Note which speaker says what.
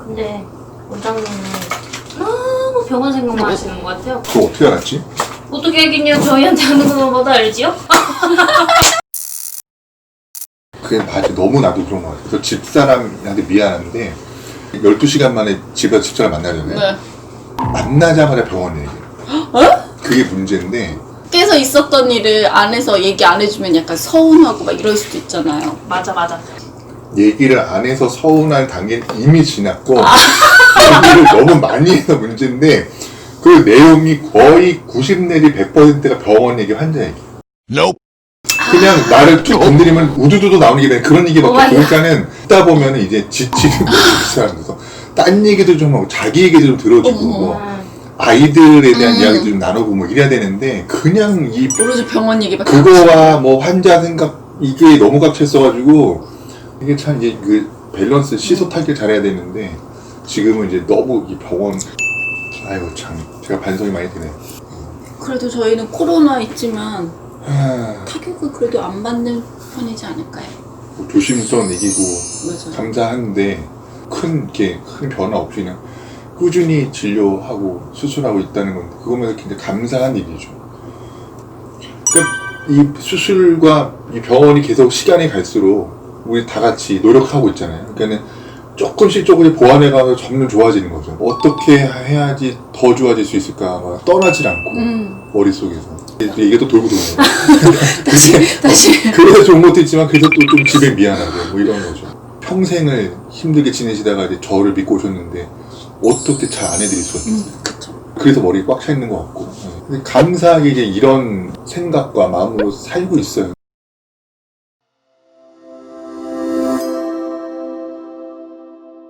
Speaker 1: 근데 원장님은 너무 병원 생각만 하시는 것 같아요.
Speaker 2: 그거 어떻게 알았지?
Speaker 1: 어떻게 알겠냐? 저희한테 하는 것마다 알지요?
Speaker 2: 그게 맞아. 너무 나도 그런 것 같아. 그래서 집사람한테 미안한데 12시간 만에 집에서 집사람 만나잖아요.
Speaker 3: 네.
Speaker 2: 만나자마자 병원에 얘기해. 그게 문제인데
Speaker 3: 밖에서 있었던 일을 안에서 얘기 안 해주면 약간 서운하고 막 이럴 수도 있잖아요.
Speaker 1: 맞아.
Speaker 2: 얘기를 안 해서 서운한 단계는 이미 지났고 얘기를 너무 많이 해서 문제인데 그 내용이 거의 90 내지 100%가 병원 얘기, 환자 얘기. 그냥 나를 툭 건드리면 우두두두 나오는 게 그런 얘기밖에. 그러니까는 듣다 보면 이제 지치는 거지. 사람들서 딴 얘기도 좀 하고 자기 얘기도 좀 들어주고 뭐 아이들에 대한 이야기도 좀 나누고 뭐 이래야 되는데 그냥 이
Speaker 3: 오로지 병원 얘기밖에
Speaker 2: 그거와 뭐 환자 생각 이게 너무 갇혀있어가지고 이게 참 이제 그 밸런스 시소타기를 잘해야 되는데 지금은 이제 너무 이 병원 아이고 참 제가 반성이 많이 되네.
Speaker 3: 그래도 저희는 코로나 있지만
Speaker 2: 하...
Speaker 3: 타격을 그래도 안 받는 편이지 않을까요?
Speaker 2: 뭐 조심스러운 얘기고
Speaker 3: 맞아요.
Speaker 2: 감사한데 큰 변화 없이 그냥 꾸준히 진료하고 수술하고 있다는 건 그거면 굉장히 감사한 일이죠. 그러니까 이 수술과 이 병원이 계속 시간이 갈수록 우리 다 같이 노력하고 있잖아요. 그러니까 조금씩 보완해가면서 점점 좋아지는 거죠. 어떻게 해야지 더 좋아질 수 있을까 막 떠나질 않고 머릿속에서 이게 또 돌고 도는 거예요.
Speaker 3: 다시
Speaker 2: 그래서 좋은 것도 있지만 그래서 또 좀 집에 미안하고 뭐 이런 거죠. 평생을 힘들게 지내시다가 이제 저를 믿고 오셨는데 어떻게 잘 안 해드릴 수 없어요.
Speaker 3: 그쵸.
Speaker 2: 그래서 머리가 꽉 차 있는 것 같고. 근데 감사하게 이제 이런 생각과 마음으로 살고 있어요.